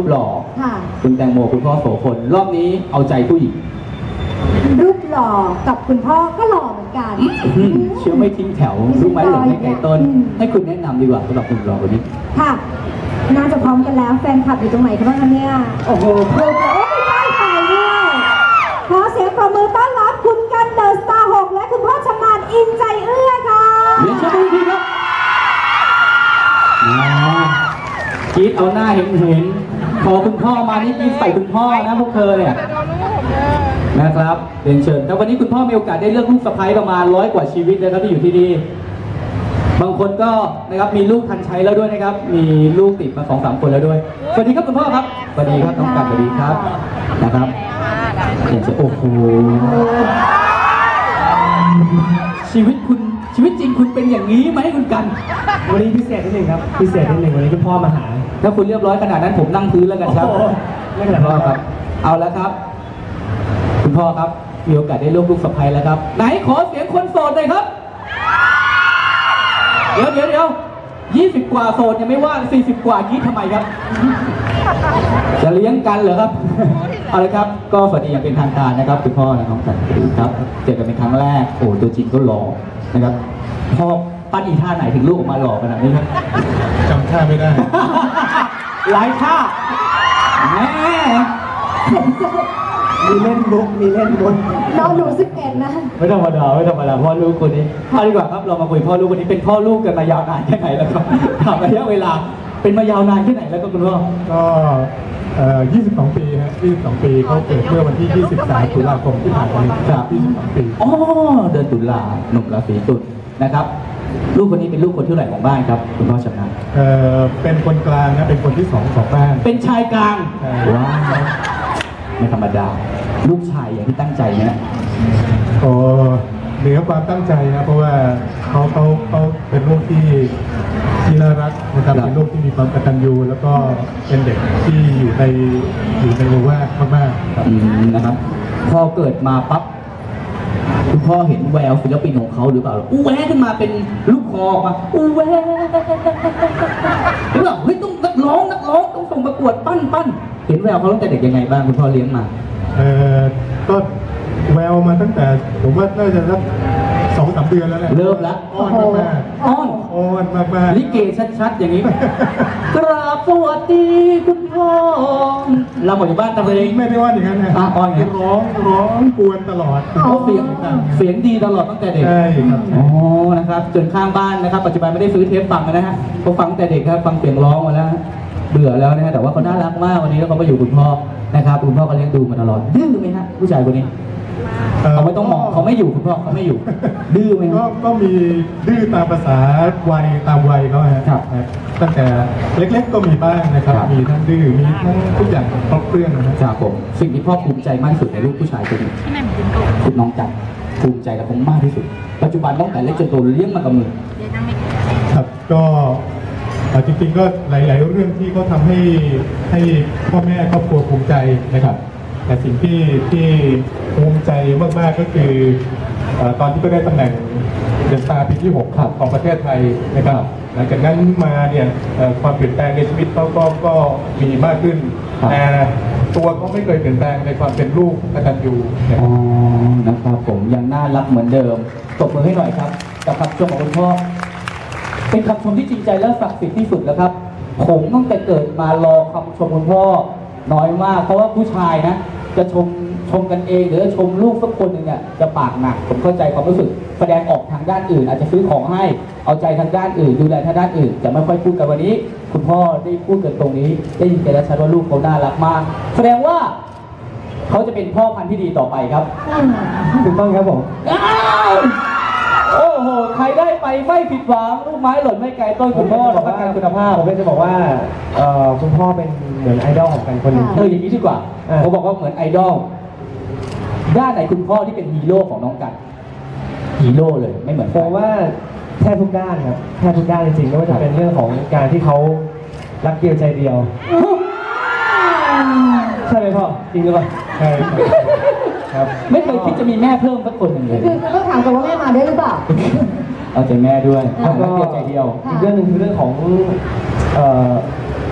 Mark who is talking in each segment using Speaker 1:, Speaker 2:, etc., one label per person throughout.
Speaker 1: หล่อคุณแตงโมคุณพ่อโสพลรอบนี้เอาใจผู้หญิง
Speaker 2: รูปหล่อกับคุณพ่อก็หล่อเหมือนกัน
Speaker 1: เชื่อไม่ทิ้งแถวรู้ไหมหล่อไม่ไกลต้นให้คุณแนะนำดีกว่าสำหรับคุณหล่อคนนี้
Speaker 2: ค่ะน่าจะพร้อมกันแล้วแฟนคลับอยู่ตรงไหนกันบ้างคะเนี่ยโอ้โหเพื่อนโอ้ยได้ใจด้วยขอเสียงปรบมือต้อนรับคุณกันเดอะสตาร์6และคุณพ่อชำนาญอินใจเอื้อค่ะ
Speaker 1: เรียนเชิญทีครับกรี๊ดเอาหน้าเห็นพอคุณพ่อมานี่กรี๊ดใส่คุณพ่อนะพวกเธอเนี่ยนะครับเรียนเชิญครับวันนี้คุณพ่อมีโอกาสได้เลือกลูกสะใภ้ประมาณ100 กว่าชีวิตนะครับที่อยู่ที่นี่บางคนก็นะครับมีลูกทันใช้แล้วด้วยนะครับมีลูกติดมา2-3 คนแล้วด้วยสวัสดีครับคุณพ่อครับสวัสดีครับน้องกันสวัสดีครับนะครับเรียนเชิญโอ้โหชีวิตจริงคุณเป็นอย่างนี้ไหมคุณกัน
Speaker 3: วันนี้พิเศษนิดนึงครับพิเศษนิดนึงวันนี้คุณพ่อมาหา
Speaker 1: ถ้าคุณเรียบร้อยขนาดนั้นผมนั่งพื้นแล้วกันครับ
Speaker 3: ไม่ขนาดนั้นครับ
Speaker 1: เอาแล้วครับคุณพ่อครับมีโอกาสได้ลูกสะใภ้แล้วครับไหนขอเสียงคนโสดหน่อยครับเดี๋ยว20 กว่าโสดยังไม่ว่า40 กว่าคิดทำไมครับจะเลี้ยงกันเหรอครับเอาเลยครับก็สวัสดีอย่างเป็นทางการนะครับคุณพ่อและน้องกันครับเจอกันเป็นครั้งแรกโอ้ตัวจริงก็หล่อนะครับพ่อปั้นอีท่าไหนถึงลูกออกมาหล่อขนาดนี้ครับ
Speaker 3: จำท่าไม่ได้
Speaker 1: หลายท่าแม่
Speaker 3: มีเล่นมุก
Speaker 2: น้องหนู11นะ
Speaker 1: ไม่ธรรมดาพ่อลูกคนนี้เอาดีกว่าครับเรามาคุยพ่อลูกคนนี้เป็นพ่อลูกกันมายาวนานแค่ไหนแล้วครับถามระยะเวลาเป็นมายาวนานแค่ไหนแล้วก็คุณพ่อ
Speaker 3: ก็22 ปีฮะ22 ปีเขาเกิดเมื่อวันที่23 ตุลาคมที่ผ่านมาครับ22 ปี
Speaker 1: อ๋อเดือนตุลาหนุ่มราศีตุลนะครับลูกคนนี้เป็นลูกคนที่เท่าไหร่ของบ้านครับคุณพ่อชำนาญ
Speaker 3: เป็นคนกลางนะเป็นคนที่2ของบ้าน
Speaker 1: เป็นชายกลางว้าวไม่ธรรมดาลูกชายอย่างที่ตั้งใจนะ
Speaker 3: โอ้เหนือความตั้งใจนะเพราะว่าเขาเป็นลูกที่น่ารักนะครับเป็นลูกที่มีความกตัญญูแล้วก็เป็นเด็กที่อยู่ในโลกว่ามาก
Speaker 1: ๆนะครับพอเกิดมาปั๊บคุณพ่อเห็นแววศิลปินของเขาหรือเปล่าอู้แวขึ้นมาเป็นลูกคอมาอู้แวหรือเปล่าเฮ้ยต้องนักร้องต้องส่งประกวดปั้นเห็นแววเขาตั้งแต่เด็กยังไงบ้างคุณพ่อเลี้ยงมา
Speaker 3: ก็แววมาตั้งแต่ผมว่าน่าจะสัก2-3 เดือนแล้วแหละ
Speaker 1: เริ่มแล้ว
Speaker 3: อ้อนมาก
Speaker 1: ลิเกชัดๆอย่างนี้กราบสวัสดีคุณพ่อเราหมดอยู่บ้านตะเลง
Speaker 3: ไม่ได้ว่าอย่างนั้นนะ
Speaker 1: อ้อน
Speaker 3: ร้องกวนตลอด
Speaker 1: เสียงดีตลอดตั้งแต่เด็ก
Speaker 3: ใช่ครับ
Speaker 1: อ๋อนะครับจนข้างบ้านนะครับปัจจุบันไม่ได้ซื้อเทปฟังนะฮะเขาฟังแต่เด็กครับฟังเสียงร้องมาแล้วเบื่อแล้วนะฮะแต่ว่าเขาน่ารักมากวันนี้แล้วเขาไปอยู่คุณพ่อนะครับคุณพ่อก็เลี้ยงดูมาตลอดดื้อไหมฮะผู้ชายคนนี้เขาไม่ต้องมองเขาไม่อยู่คุณพ่อเขาไม่อยู่ดื้อไหม
Speaker 3: ก็มีดื้อตามภาษาวัยตามวัยเขาครับตั้งแต่เล็กๆก็มีบ้างนะครับมีทั้งดื้อมีทั้งทุกอย่างครบเครื่อง
Speaker 1: นะครับผมสิ่งที่พ่อภูมิใจมากที่สุดในลูกผู้ชายคนนี้คุณน้องจันภูมิใจกับผมมากที่สุดปัจจุบันตั้งแต่เล็กจนโตเลี้ยงมากับมือ
Speaker 3: ครับก็จริงๆก็หลายๆเรื่องที่เขาทำให้พ่อแม่ครอบครัวภูมิใจนะครับแต่สิ่งที่ภูมิใจมากๆก็คือตอนที่ก็ได้ตำแหน่งเดอะสตาร์ปีที่6ของประเทศไทยนะครับหลังจากนั้นมาเนี่ยความเปลี่ยนแปลงในชีวิตเขาก็มีมากขึ้นแต่ตัวเขาไม่เคยเปลี่ยนแปลงในความเป็นลูกกตัญญู
Speaker 1: นะครับผมยังน่ารักเหมือนเดิมตบมือให้หน่อยครับกับคำชมของคุณพ่อเป็นคำชมที่จริงใจและศักดิ์สิทธิ์ที่สุดแล้วครับผมตั้งแต่เกิดมารอคำชมคุณพ่อน้อยมากเพราะว่าผู้ชายนะจะชมกันเองหรือจะชมลูกสักคนหนึ่งเนี่ยจะปากหนักผมเข้าใจความรู้สึกแสดงออกทางด้านอื่นอาจจะซื้อของให้เอาใจทางด้านอื่นดูแลทางด้านอื่นจะไม่ค่อยพูดกันวันนี้คุณพ่อได้พูดกันตรงนี้ได้ยินกันแล้วชัดว่าลูกเขาน่ารักมากแสดงว่าเขาจะเป็นพ่อพันธุ์ที่ดีต่อไปครับ
Speaker 3: ถูกต้องครับผม
Speaker 1: โอ้โหใครได้ไปไม่ผิดหวังลูกไม้หล่นไม่ไกลต้นคุณพ่อรับประกันคุณภาพ
Speaker 3: ผมจะบอกว่าคุณพ่อเป็นเหมือนไอดอลของกันคนหนึ่ง
Speaker 1: อย่างนี้ดีกว่าเขาบอกว่าเหมือนไอดอลด้านไหนคุณพ่อที่เป็นฮีโร่ของน้องกันฮีโร่เลยไม่เหมือน
Speaker 3: ผมว่าแทบทุกด้านครับแทบทุกด้านจริงๆไม่ว่าจะเป็นเรื่องของการที่เขารักเดียวใจเดียวใช่ไหมพ่อจริงหรือเปล่าใช่
Speaker 1: ครับไม่เคยคิดจะมีแม่เพิ่มสักคนหนึ่งเลย
Speaker 2: คือต้องถามกันว่าแม่มาได้หรือเปล่า
Speaker 1: เอาใจแม่ด้วยแล้วก็ใจเดียว
Speaker 3: อีกเรื่องหนึ่งคือเรื่องของ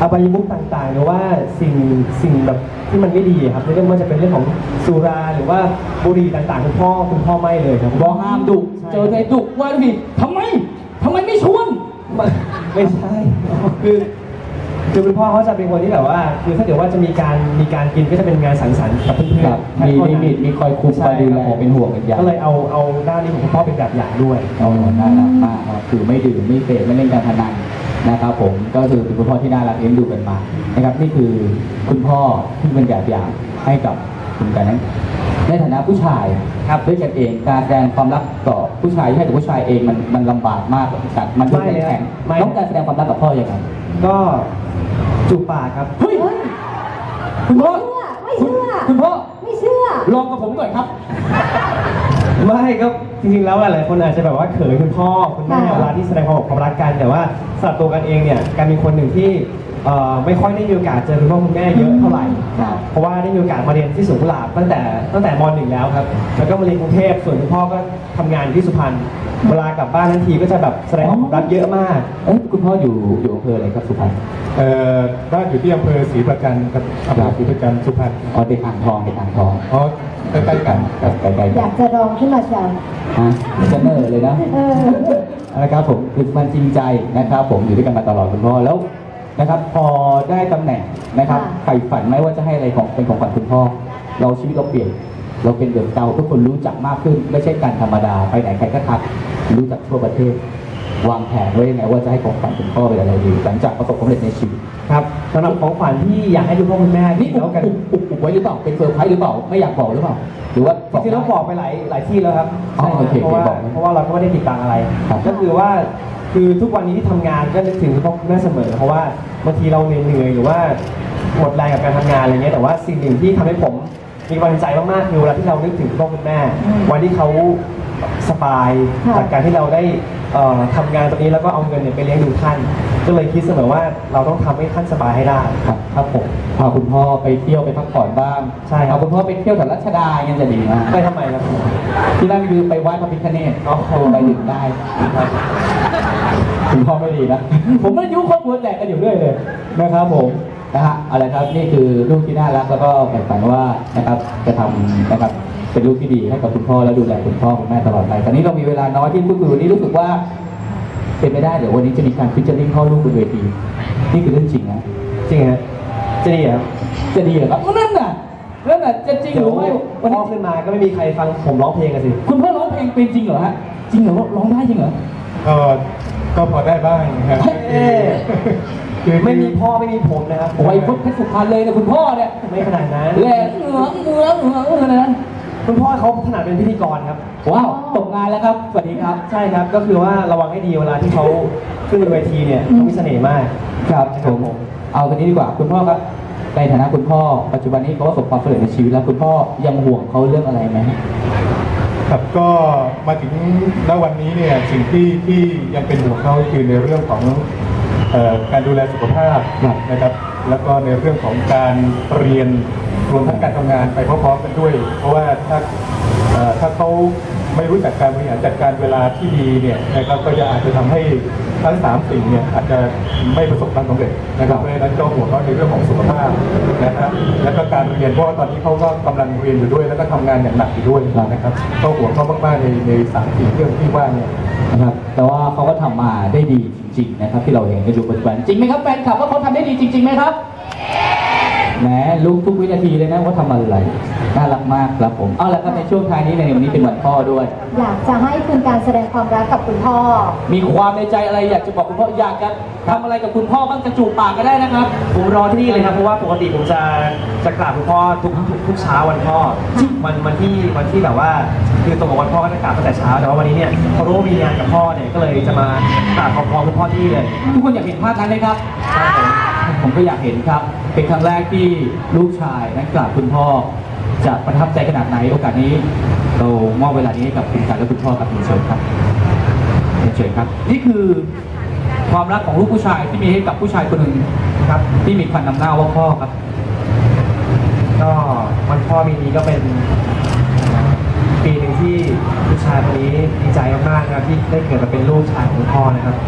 Speaker 4: อบายมุขต่างๆหรือว่าสิ่งแบบที่มันไม่ดีครับไม่ว่าจะเป็นเรื่องของสุราหรือว่าบุหรี่ต่างๆคุณพ่อไม่เลยครับ
Speaker 1: บอกห้ามดุเจอใครดุว่าดิทำไมไม่ชวน
Speaker 4: ไม่ใช่คือคุณพ่อเขาจะเป็นคนที่แบบว่าคือถ้าเกิดว่าจะมีการกินก็จะเป็นงานสังสรรค์กับเพื่อนๆ
Speaker 1: มีลิมิตมีคอยคุมคอยดูแลเป็นห่วงเป็นใย
Speaker 4: ก็เลยเอาด้านนี้ของคุณพ่อเป็นแบบอย่างด้วย
Speaker 1: อ๋อน่ารักมากครับคือไม่ดื่มไม่เสพไม่เล่นการพนันนะครับผมก็คือเป็นคุณพ่อที่น่ารักเลี้ยงดูกันมานะครับนี่คือคุณพ่อที่เป็นแบบอย่างให้กับคุณกันนั้นในฐานะผู้ชายครับด้วยกันเองการแสดงความรักต่อผู้ชายให้กับผู้ชายเองมันลำบากมากแต่มันไม่แข็งต้องการแสดงความรักกับพ่อยังไง
Speaker 4: ก็จูบปากครับ
Speaker 1: เฮ้ยคุณพ่อ
Speaker 2: ไม่เชื่อ
Speaker 1: คุณพ่อ
Speaker 2: ไม่เชื่อ
Speaker 1: ลองกับผมก่อนครับ
Speaker 4: ไม่ก็จริงๆแล้วหลายคนอาจจะแบบว่าเขินคุณพ่อคุณแม่เวลาที่แสดงความรักกันแต่ว่าสำหรับตัวกันเองเนี่ยการมีคนหนึ่งที่ไม่ค่อยได้มีโอกาสเจอคุณพ่อคุณแม่เยอะเท่าไหร่เพราะว่าได้มีโอกาสมาเรียนที่สวนกุหลาบตั้งแต่ม.1แล้วครับแล้วก็มาเรียนกรุงเทพส่วนคุณพ่อก็ทำงานอยู่ที่สุพรรณเวลากลับบ้านทันทีก็จะแบบแสดงความรักเยอะมาก
Speaker 1: คุณพ่ออยู่อำเภออะไรครับสุพรรณ
Speaker 3: บ้านอยู่ที่อำเภอศรีประจันครับอำเภอศรีประจันสุพรรณ
Speaker 1: อ๋อเด็กอ่างทอง
Speaker 3: อ๋อใกล้ๆกันครับ
Speaker 1: ใกล้ๆ
Speaker 2: อยากจะลองขึ้นมาเชียว
Speaker 1: ฮะจะเนอร์เลยนะ นะครับผมคือมันจริงใจนะครับผมอยู่ด้วยกันมาตลอดคุณพ่อแล้วนะครับพอได้ตำแหน่งนะครับใฝ่ฝันไหมว่าจะให้อะไรเป็นของขวัญคุณพ่อเราชีวิตเราเปลี่ยนเราเป็นเดือดเตาทุกคนรู้จักมากขึ้นไม่ใช่การธรรมดาไปไหนใครก็ทักรู้จักทั่วประเทศวางแผนไว้ยังไงว่าจะให้ของขวัญคุณพ่อเป็นอะไรดีหลังจากประสบความสำเร็จในชีวิต
Speaker 4: ครับสำหรับของขวัญที่อยากให้คุณพ่อคุณแม่
Speaker 1: นี่
Speaker 4: นี่แล้วกัน
Speaker 1: อุบไว้หรือเปล่าเป็นเซอร์ไพรส์หรือเปล่าไม่อยากบอกหรือเปล่าหรือว่า
Speaker 4: จริงๆแล้วบอกไปหลายที่แล้วครับ
Speaker 1: อ๋อโอเค
Speaker 4: เพราะว่า
Speaker 1: บอก
Speaker 4: เพราะว่าเราก็ไม่ได้ติดตังอะไร
Speaker 1: ครับ
Speaker 4: ก็คือว่าคือทุกวันนี้ที่ทำงานก็นึกถึงคุณพ่อคุณแม่เสมอเพราะว่าบางทีเราเหนื่อยหรือว่าหมดแรงกับการทำงานอะไรเงี้ยแต่ว่าสิ่งหนึ่งที่ทำให้ผมมีกำลังใจมากๆคือเวลาที่เรานึกถึงคุณพ่อคุณแม่ วันที่เขาสบายจากการที่เราได้ทำงานตรงนี้แล้วก็เอาเงินเนี่ยไปเลี้ยงดูท่าน ก็เลยคิดเสมอว่าเราต้องทำให้ท่านสบายให้ได้
Speaker 1: ครับผมพาคุณพ่อไปเที่ยวไปพักผ่อนบ้าง
Speaker 4: ใช่ครับ
Speaker 1: พาคุณพ่อไปเที่ยวแถวรัชดายังจะดีมาก
Speaker 4: ไปทำไมครับ
Speaker 1: ที่นั่นคือไปไหว้พระพิฆเนศไปดื่มได้ครับคุณพ่อไม่ดีนะ ผมไม่ยุ่งครอบครัวแตกกันอยู่เรื่อยเลยนะครับผมนะฮะอะไรครับนี่คือลูกที่น่ารักแล้วก็ใฝ่ฝันว่านะครับจะทำนะครับเป็นลูกที่ดีให้กับคุณพ่อและดูแลคุณพ่อคุณแม่ตลอดไปตอนนี้เรามีเวลาน้อยที่พูดคุยวันนี้รู้สึกว่าเป็นไม่ได้เดี๋ยววันนี้จะมีการฟิชเชอร์ริ่งพ่อลูกบนเวทีนี่คือเรื่องจริงนะ
Speaker 4: จริงฮะจะดีเหรอ
Speaker 1: จะดีเหรอครับนั่นน่ะจะจริงหรือไม่วัน
Speaker 4: พ่
Speaker 1: นี้
Speaker 4: อขึ้นมาก็ไม่มีใครฟังผมร้องเพลงกันสิ
Speaker 1: คุณพ่อร้องเพลงเป็นจริงเหรอฮะจริงเหรอร้องได้จริงเหรอ
Speaker 3: ก็พอได้บ้างนะครับ
Speaker 1: เอ๊ะ
Speaker 3: คือ
Speaker 4: ไม่มีพ่อไม่มีผมนะครับ
Speaker 1: โอ้ยพุทธเพชรสุพรรณเลยนะคุณพ่อเนี่ย
Speaker 4: ไม่ขนาดนั้น
Speaker 1: แหลกเหงือนะ
Speaker 4: คุณพ่อเขาถนัดเป็นพิธีกรครับ
Speaker 1: ว้าวตกงานแล้วครับสวัสดีครับ
Speaker 4: ใช่ครับก็คือว่าระวังให้ดีเวลาที่เขาขึ้นบนเวทีเนี่ยเขามีเสน่ห์มาก
Speaker 1: ครับผมเอากันนี้ดีกว่าคุณพ่อครับในฐานะคุณพ่อปัจจุบันนี้เขาประสบความสำเร็จในชีวิตแล้วคุณพ่อยังห่วงเขาเรื่องอะไรไหม
Speaker 3: ครับก็มาถึงณวันนี้เนี่ยสิ่งที่ยังเป็นห่วงเขาคือในเรื่องของการดูแลสุขภาพนะครับแล้วก็ในเรื่องของการเรียนรวมทั้งการทำงานไปพร้อมๆกันด้วย เพราะว่าถ้าเขาไม่รู้จักการบริหารจัดการเวลาที่ดีเนี่ยนะครับก็จะอาจจะทำให้ทั้ง3สิ่งเนี่ยอาจจะไม่ประสบความสำเร็จนะครับเพราะฉะนั้นก็ห่วงเขาในเรื่องของสุขภาพนะครับแล้วก็การเรียนเพราะว่าตอนนี้เขาก็กำลังเรียนอยู่ด้วยแล้วก็ทำงานอย่างหนักอยู่ด้วยนะครับก็ห่วงเขามากๆใน3-4เรื่องที่ว่าเนี่ย
Speaker 1: นะครับแต่ว่าเขาก็ทำมาได้ดีจริงๆนะครับที่เราเห็นกันอยู่ปัจจุบันจริงไหมครับแฟนคลับว่าเขาทำได้ดีจริงๆไหมครับแหมลุกทุกวินาทีเลยนะว่าทำอะไรน่ารักมากครับผมเอาละครับในช่วงท้ายนี้ในวันนี้เป็นวันพ่อด้วย
Speaker 2: อยากจะให้คุณการแสดงความรักกับคุณพ่อ
Speaker 1: มีความในใจอะไรอยากจะบอกคุณพ่ออยากจะทำอะไรกับคุณพ่อบ้างจะจูบปากก็ได้นะครับ
Speaker 4: ผมรอที่นี่เลยครับเพราะว่าปกติผมจะกราบคุณพ่อทุกเช้าวันพ่อวันที่แบบว่าคือตรงกับวันพ่อก็จะกราบตั้งแต่เช้าแต่ว่าวันนี้เนี่ยพอรู้ว่ามีงานกับพ่อเนี่ยก็เลยจะมากราบขอบคุณพ่อที่นี่เลย
Speaker 1: ทุกคนอยากเห็นภาพนั้นไหมครับผมก็อยากเห็นครับเป็นครั้งแรกที่ลูกชายนั้นกราบคุณพ่อจะประทับใจขนาดไหนโอกาสนี้เรามอบเวลานี้ให้กับคุณการและคุณพ่อกับคุณเชิญครับเชิญครับนี่คือความรักของลูกผู้ชายที่มีให้กับผู้ชายคนหนึ่งครับที่มีควันนำหน้าว่าพ่อครับ
Speaker 4: ก็วันพ่อปีนี้ก็เป็นปีหนึ่งที่ลูกชายคนนี้ดีใจมากๆนะครับที่ได้เกิดมาเป็นลูกชายของคุณพ่อนะครับ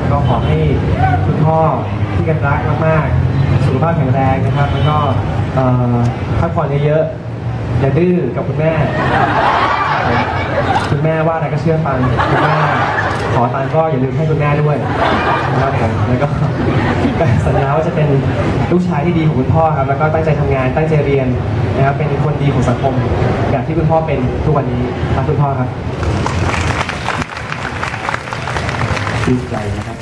Speaker 4: ก็ขอให้คุณพ่อที่กันรักมากๆสุขภาพแข็งแรงนะครับแล้วก็พักผ่อนเยอะๆอย่าดื้อกับคุณแม่คุณแม่ว่าอะไรก็เชื่อฟังคุณแม่ขอตังค์ก็อย่าลืมให้คุณแม่ด้วยนะครับผมแล้วก็สัญญาว่าจะเป็นลูกชายที่ดีของคุณพ่อครับแล้วก็ตั้งใจทำงานตั้งใจเรียนนะครับเป็นคนดีของสังคมแบบที่คุณพ่อเป็นทุกวันนี้รักคุณพ่อครับ
Speaker 1: ชื่นใจนะครับ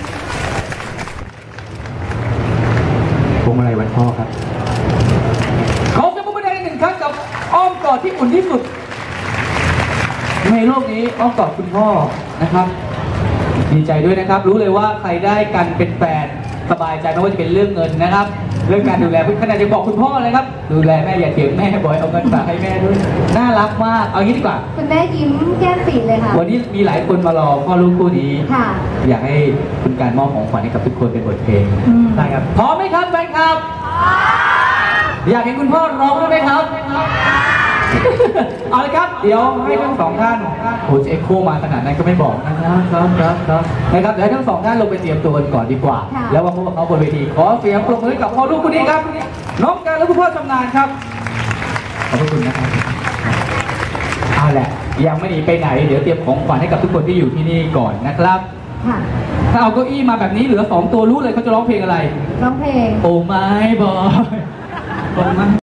Speaker 1: พวงมาลัยวันพ่อครับขอเสียงปรบมือดังๆหนึ่งครั้งกับอ้อมกอดที่อุ่นที่สุดในโลกนี้อ้อมกอดคุณพ่อนะครับดีใจด้วยนะครับรู้เลยว่าใครได้กันเป็นแฟนสบายใจไม่ว่าจะเป็นเรื่องเงินนะครับเรื่องการดูแลขนาดจะบอกคุณพ่อเลยครับดูแลแม่อย่าเถียงแม่บ่อยเอาเงินฝากให้แม่ด้วยน่ารักมากเอางี้ดีกว่า
Speaker 2: คุณแม่ยิ้มแก้มปีเลยค่ะ
Speaker 1: วันนี้มีหลายคนมารอพ่อลูกคู่นี้
Speaker 2: ค่ะ
Speaker 1: อยากให้คุณการมอบของขวัญให้กับทุกคนเป็นบทเพลง
Speaker 4: ได้ครับ
Speaker 1: พร้อมไหมครับแฟนคลับอยากเห็นคุณพ่อร้องด้วยไหมครับเอาเลยครับเดี๋ยวให้ทั้งสองท่านโอ้จะเอ็กโคมาขนาดนั้นก็ไม่บอกนะครับนะครับเดี๋ยวให้ทั้งสองท่านลงไปเตรียมตัวกันก่อนดีกว่า
Speaker 2: ค่ะ
Speaker 1: แล้วมาพบกับเขาบนเวทีขอเสียงปรบมือกับพ่อลูกคู่นี้ครับน้องการและคุณพ่อชำนาญครับขอบพระคุณนะครับเอาแหละยังไม่หนีไปไหนเดี๋ยวเตรียมของขวัญให้กับทุกคนที่อยู่ที่นี่ก่อนนะครับ
Speaker 2: ค่ะ
Speaker 1: ถ้าเอาเก้าอี้มาแบบนี้เหลือ2ตัวรู้เลยเขาจะร้องเพลงอะไร
Speaker 2: ร้องเพลง
Speaker 1: โอ้ไม่บอยโอ้ไม่